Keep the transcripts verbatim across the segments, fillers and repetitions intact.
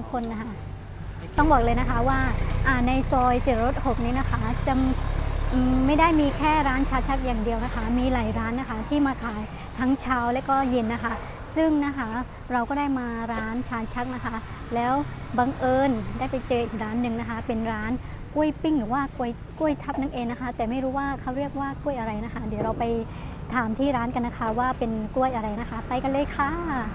ข้นนะคะต้องบอกเลยนะคะว่าในซอยเสียรถหกนี้นะคะจะไม่ได้มีแค่ร้านชาชักอย่างเดียวนะคะมีหลายร้านนะคะที่มาขายทั้งเช้าและก็เย็นนะคะซึ่งนะคะเราก็ได้มาร้านชาชักนะคะแล้วบังเอิญได้ไปเจออีกร้านหนึ่งนะคะเป็นร้านกล้วยปิ้งหรือว่ากล้วยกล้วยทับนั่นเองนะคะแต่ไม่รู้ว่าเขาเรียกว่ากล้วยอะไรนะคะเดี๋ยวเราไปถามที่ร้านกันนะคะว่าเป็นกล้วยอะไรนะคะไปกันเลยค่ะ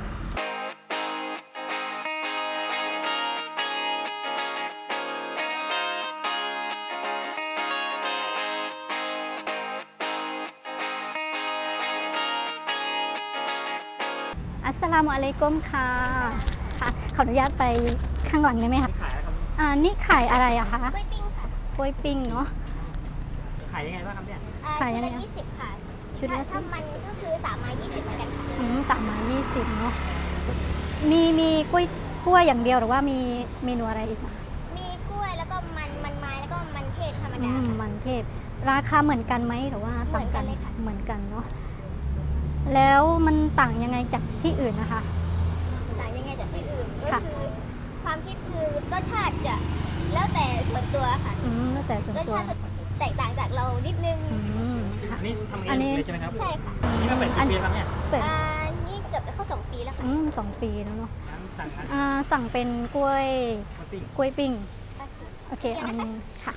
อัสสลามุอะลัยกุมค่ะค่ะขออนุญาตไปข้างหลังได้ไหมคะขายอะไรครับอ่านี่ขายอะไรอะคะกล้วยปิ้งค่ะกล้วยปิ้งเนาะขายยังไงบ้างครับเนี่ยขายยังไงยี่สิบค่ะชุดละถ้ามันก็คือสามไม้ยี่สิบเหมือนกันค่ะอืมสามไม้ยี่สิบเนาะมีมีกล้วยกล้วยอย่างเดียวหรือว่ามีเมนูอะไรอีกคะมีกล้วยแล้วก็มันมันไม้แล้วก็มันเทศธรรมดามันเทศราคาเหมือนกันไหมหรือว่าต่างกันเลยค่ะเหมือนกันเนาะแล้วมันต่างยังไงจากที่อื่นนะคะต่างยังไงจากที่อื่นก็คือความคิดคือรสชาติจะแล้วแต่ส่วนตัวค่ะอืมแล้วแต่ส่วนตัวรสชาติแตกต่างจากเรานิดนึงอันนี้ทำเองเลยใช่ไหมครับใช่ค่ะนี่ก็เป็นกี่ปีแล้วเนี่ยอ่านี่เกือบจะเข้าสองปีแล้วค่ะอืมสองปีแล้วเนาะสั่งอ่าสั่งเป็นกล้วยกล้วยปิ้งโอเคอันนึงค่ะ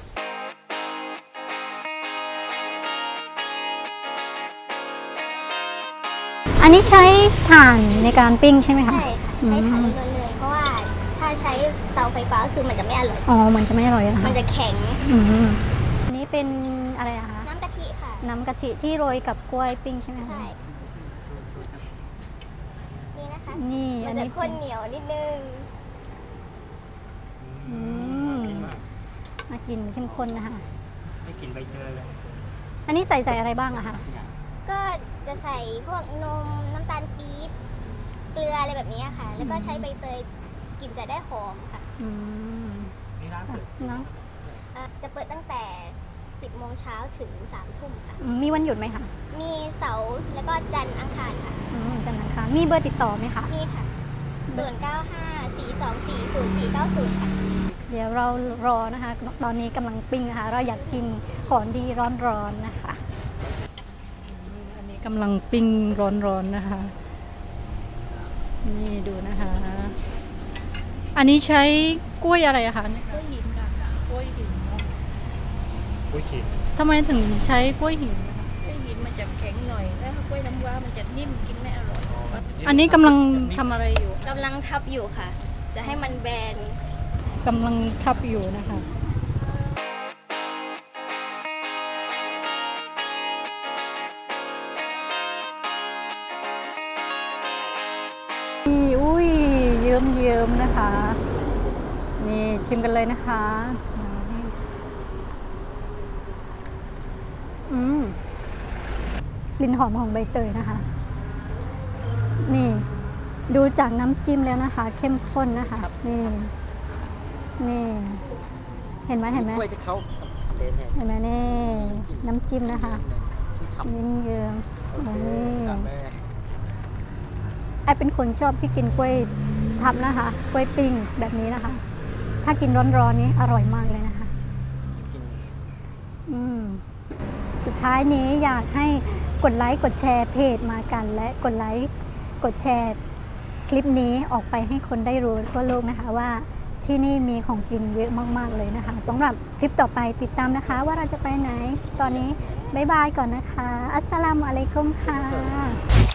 อันนี้ใช้ถ่านในการปิ้งใช่ไหมคะใช่ค่ะใช้ถ่านล้วนเลยเพราะว่าถ้าใช้เตาไฟฟ้าคือมันจะไม่อร่อยอ๋อมันจะไม่อร่อยนะคะมันจะแข็งอันนี้เป็นอะไรอะคะน้ำกะทิค่ะน้ำกะทิที่โรยกับกล้วยปิ้งใช่ไหมคะใช่นี่นะคะนี่มันจะข้นเหนียวนิดนึงอืมน่ากินเข้มข้นนะคะไม่กลิ่นใบเตยเลยอันนี้ใส่ใส่อะไรบ้างอะคะก็จะใส่พวกนมน้ำตาลปี๊บเกลืออะไรแบบนี้ค่ะแล้วก็ใช้ใบเตยกลิ่นจะได้หอมค่ะอืมนี่ร้านเปิดเนาะจะเปิดตั้งแต่สิบโมงเช้าถึงสามทุ่มค่ะมีวันหยุดไหมคะมีเสาร์แล้วก็จันทร์อังคารค่ะจันทร์อังคารมีเบอร์ติดต่อไหมคะมีค่ะศูนย์เก้าห้าสี่สองสี่ศูนย์สี่เก้าศูนย์ค่ะเดี๋ยวเรารอนะคะตอนนี้กำลังปิ้งนะคะเราอยากกินของดีร้อนๆนะคะอันนี้กำลังปิ้งร้อนๆนะคะนี่ดูนะคะอันนี้ใช้กล้วยอะไรอะคะกล้วยหินค่ะกล้วยหินเนาะกล้วยหินทำไมถึงใช้กล้วยหินกล้วยหินมันจะแข็งหน่อยแล้วกล้วยน้ำว้ามันจะนิ่มกินไม่อร่อยอันนี้กำลังทำอะไรอยู่กำลังทับอยู่ค่ะจะให้มันแบนกำลังทับอยู่นะคะอุ้ยเยิ้มเยิ้มนะคะนี่ชิมกันเลยนะคะอืมกลิ่นหอมของใบเตยนะคะนี่ดูจากน้ำจิ้มแล้วนะคะเข้มข้นนะคะนี่นี่เห็นไหมเห็นไหมเห็นไหมนี่น้ำจิ้มนะคะยิ้มเยิ้มนี่ไอเป็นคนชอบที่กินกล้วยทับนะคะกล้วยปิ้งแบบนี้นะคะถ้ากินร้อนๆนี้อร่อยมากเลยนะคะอืมสุดท้ายนี้อยากให้กดไลค์กดแชร์เพจมากันและกดไลค์กดแชร์คลิปนี้ออกไปให้คนได้รู้ทั่วโลกนะคะว่าที่นี่มีของกินเยอะมากๆเลยนะคะสำหรับคลิปต่อไปติดตามนะคะว่าเราจะไปไหนตอนนี้บ๊ายบายก่อนนะคะอัสสลามุอะลัยกุมค่ะ